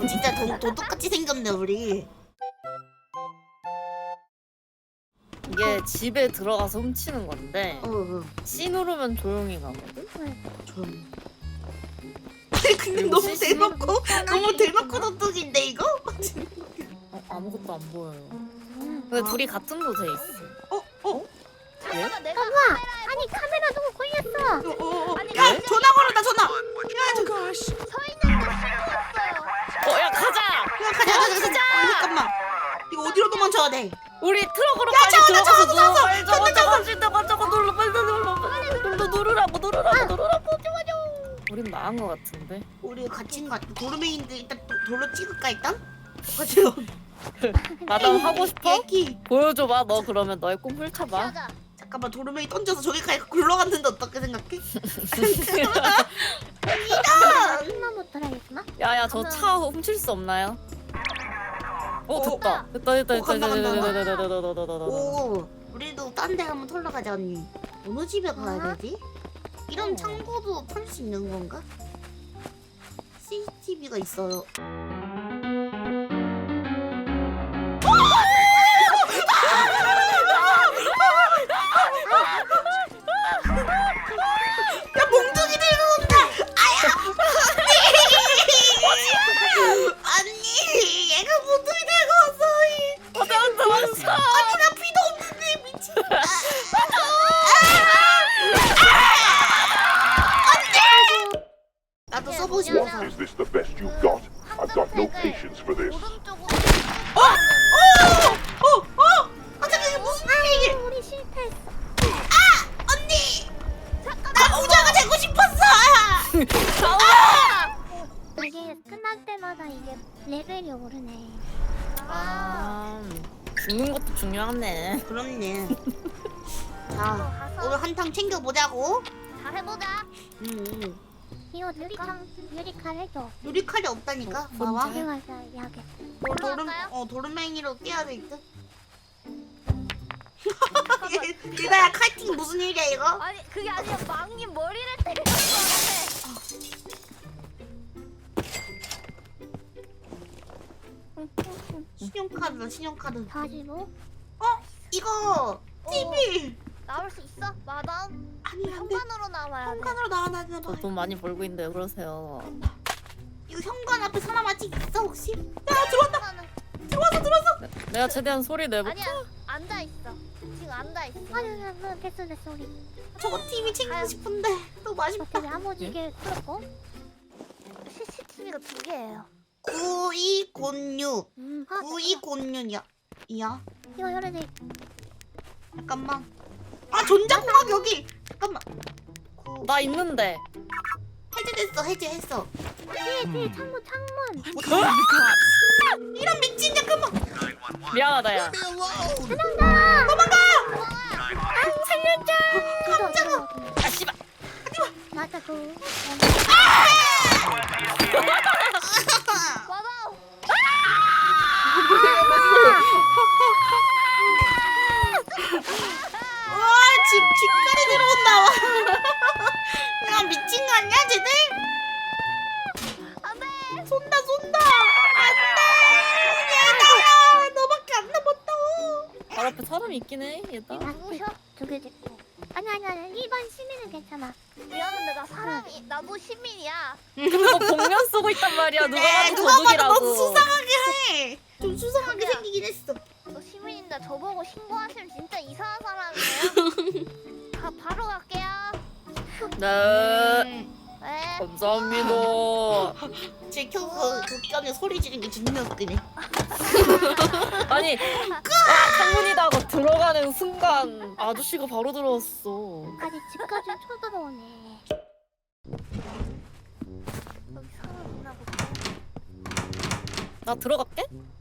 진짜 도둑같이 생겼네 우리. 이게 집에 들어가서 훔치는 건데 C 누르면 조용히 가거든? 좀. 근데 너무 대놓고 너무 대놓고 도둑인데 이거? 아무것도 안 보여요. 근데 둘이 같은 곳에 있어. 잠깐만 내가 아니 카메라 누구 걸렸어? 아니 야 전화 걸었다 전화. 야 서 있는데 신고했어요. 야 가자! 야 가자. 잠깐만. 이거 어디로 도망쳐야 돼? 우리 트럭으로 야, 빨리 들어가서 저거. 저거 눌러 빨리 누르라고 우린 나은 거 같은데. 우리 갇힌 거 같아. 도르메인데 일단 돌로 찍을까 일단? 가자. 마담 하고 싶어? 얘기. 보여줘봐. 너 그러면 너의 꿈 펼쳐봐. 가자. 잠깐만 도르메인 던져서 저기까지 굴러갔는데 어떻게 생각해? 한번못 돌아야겠구나. 야야 저 차 훔칠 수 없나요? 됐다. 간다. 됐다. 오, 우리도 딴 데 한번 털러 가자 언니. 어느 집에 가야 되지? 이런 창고도 털 수 있는 건가? CCTV가 있어요. 야 몽둥이 들고 온다. 언니 얘가 몽둥이 들고 왔어. 도망쳐. 아니 나 피도 없는데 미친. 나도 써보고 싶어서. Is this the best you've got? I've got no patience for this. 오른쪽으로 아 잠깐 이게 무슨 일이야? 우리 실패했어. 언니 나 부자가 되고 싶었어. 이게 끝날 때마다 이게 레벨이 오르네. 죽는 것도 중요하네. 그렇네. 자 오늘 한탕 챙겨보자고. 잘해보자. 이거 유리칼 해줘. 유리칼이 없다니까. 봐봐. 들어가서 약에. 도르맹이로 깨야 될 듯. 얘들아 칼팅 무슨 일이야 이거? 아니 그게 아니라 망님 머리를 때리는 거 신용카드다 신용카드. 다시 뭐? 이거 TV. 나올 수 있어? 마담? 아니 안돼. 현관으로 나와야 돼. 현관으로 나와야 되나 봐. 저 돈 많이 벌고 있는데 왜 그러세요? 이거 현관 앞에 사람 아직 있어 혹시? 야 들어왔다. 현관은 들어왔어. 내가 최대한 소리 내볼게. 아니야 앉아 있어. 지금 앉아 있어. 아니 됐어 우리. 저거 TV 챙기고 싶은데 너무 아쉽다. 어떻게 아무지게 풀었고? CCTV가 2개예요. 9206. 아 9206이야. 이야. 이거 열어야 돼. 잠깐만. 아 전자공학 여기. 잠깐만. 나 있는데. 해제됐어 해제했어. 뒤에 창문. 이런 미친 잠깐만. 미안하다 야. 깜짝아. 아 씨발. 맞아 그. 마담! 와 집까지 들어온다. 야 미친 거 아니야 쟤들? 안돼! 쏜다. 안돼. 얘들아 너밖에 안 남았다. 바로 앞에 사람이 있긴 해. 얘다. 누구셔? 두개 됐고. 아니 일반 시민은 괜찮아. 미안한데 나 사람이 나도 시민이야. 그리고 복면 쓰고 있단 말이야. 누가 봐도 누가 봐도 도둑이라고. 너무 수상하게 해. 좀 수상하게 자기야. 생기긴 했어. 저 시민인데 저보고 신고하시면 진짜 이상한 사람이에요. 바로 갈게요. 네. 네. 감사합니다. 제 켜서 극장에 소리 지르는 게 존나 웃기네. 아니 창문이다 하고 들어가는 순간 아저씨가 바로 들어왔어. 아니 집까지 쳐들어오네. 여기 사람 있나 보다. 나 들어갈게?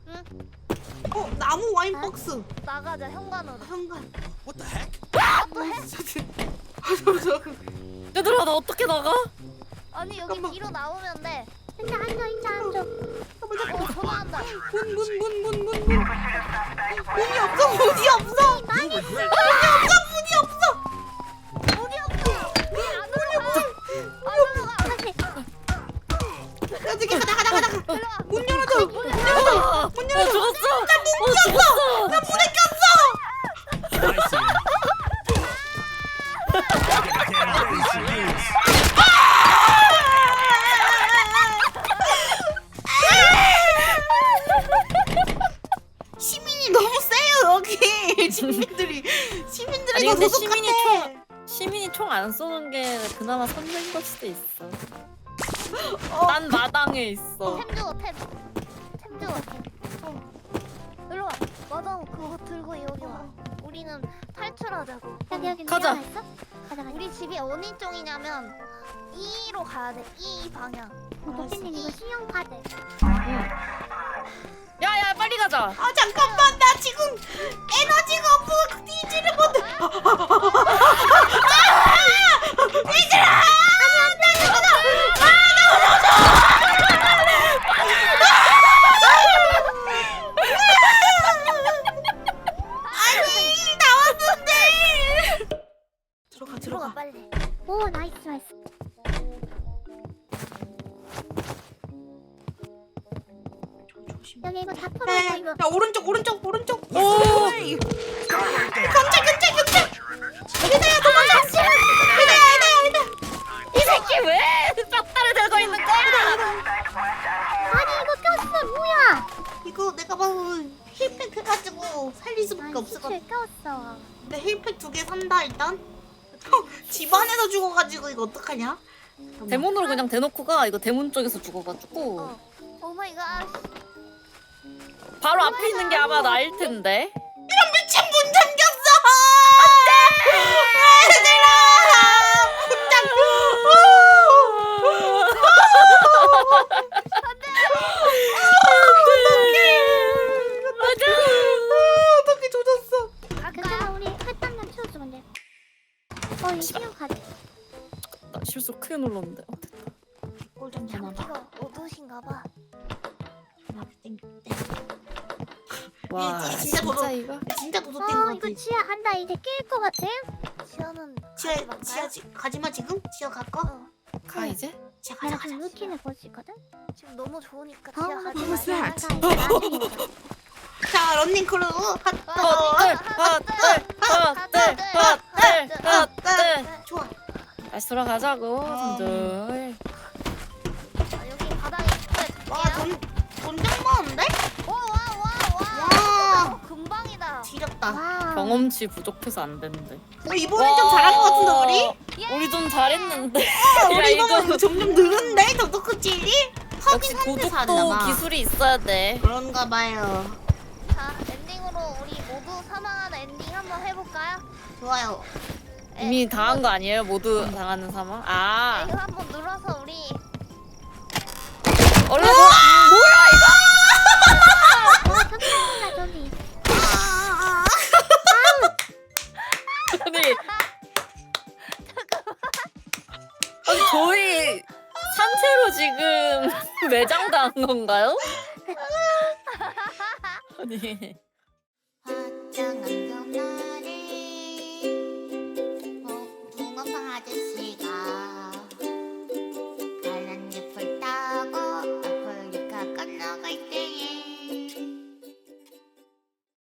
나무 와인 박스. 나가자 현관으로. 현관. 또 해? 얘들아 나 어떻게 나가? 아니 여기 잠깐만. 뒤로 나오면 돼. 앉아. 전화한다. 문. 문이 없어. 문이 없어. 문이 없어. 왜안 올라가? 안 올라가. 어떻게 나가. 들어와. 문 열어. 죽었어. 죽었어. 나 물에 꼈어. 시민이 너무 세요 여기. 시민들이 아니, 더 근데 도둑같아. 시민이 총 안 쏘는 게 그나마 선배인 걸 수도 있어. 난 마당에 있어. 템 주워 템 주워 일로 와 마당 그거 들고 여기 와 우리는 탈출하자고 여기 가자. 있어? 가자. 우리 집이 어느 쪽이냐면 E로 가야 돼 E 방향 도피님 이거 신용카드. 야야 빨리 가자. 아 잠깐만 나 지금 에너지가 없어 뒤지를 못해. 아니 나왔는데. 들어가 들어가 빨리 오 나이스 나이스. 여기 이거 다 털어놓고 이거. 야 오른쪽. 오. 경찰. 그대야 도망가. 그대야. 이 새끼 왜 싹다를 들고 있는 거야? 아니 이거 꼈어 뭐야? 이거 내가 봐서 힐팩 해가지고 살릴 수밖에 없을 것 같아. 시출 꼈어. 근데 힐팩 2개 산다 일단. 집 안에서 죽어가지고 이거 어떡하냐? 잠깐만. 대문으로 그냥 대놓고 가. 이거 대문 쪽에서 죽어가지고 오마이갓 바로 앞에 있는 게 아마 나일 텐데. 미친 문 잠겼어! 안돼! 얘들아! 문 어떻게 조졌어? 괜찮아 우리 햇단면 치워주면 돼. 이 신용카드. 나 실수 크게 눌렀는데. 꼴좀 전화봐. 이거 어두신가봐 와 이게 진짜 도둑. 이거. 진짜 도둑된 거 이거 같아. 지하 한다 이제 낄 것 같아? 지하는 지하 가지마 지금? 지하 갈까? 가 이제? 지하 내가 가자. 지금 루틴을 보고 있거든? 지금 너무 좋으니까 어, 지하 가지 what was 말자 that? 자 런닝 크루 좋아. 다시 돌아가자고. 아. 손들. 여기 바닥에 와돈 많은데? 와와와와 금방이다 지렸다. 와. 경험치 부족해서 안 된대. 이번엔 좀 잘한 거 같은데 우리? 우리 좀 잘했는데. 우리 이거 점점 늘었네 도둑질이? 역시 하긴 한대 도둑도 사나봐. 기술이 있어야 돼. 그런가 봐요. 자 엔딩으로 우리 모두 사망하는 엔딩 한번 해볼까요? 좋아요. 이미 당한 거 아니에요? 모두 당하는 사망? 아. 이거 한번 눌러서 우리 얼른. 잠깐만 저기. 아니 저희 산채로 지금 매장 당한 건가요? 아니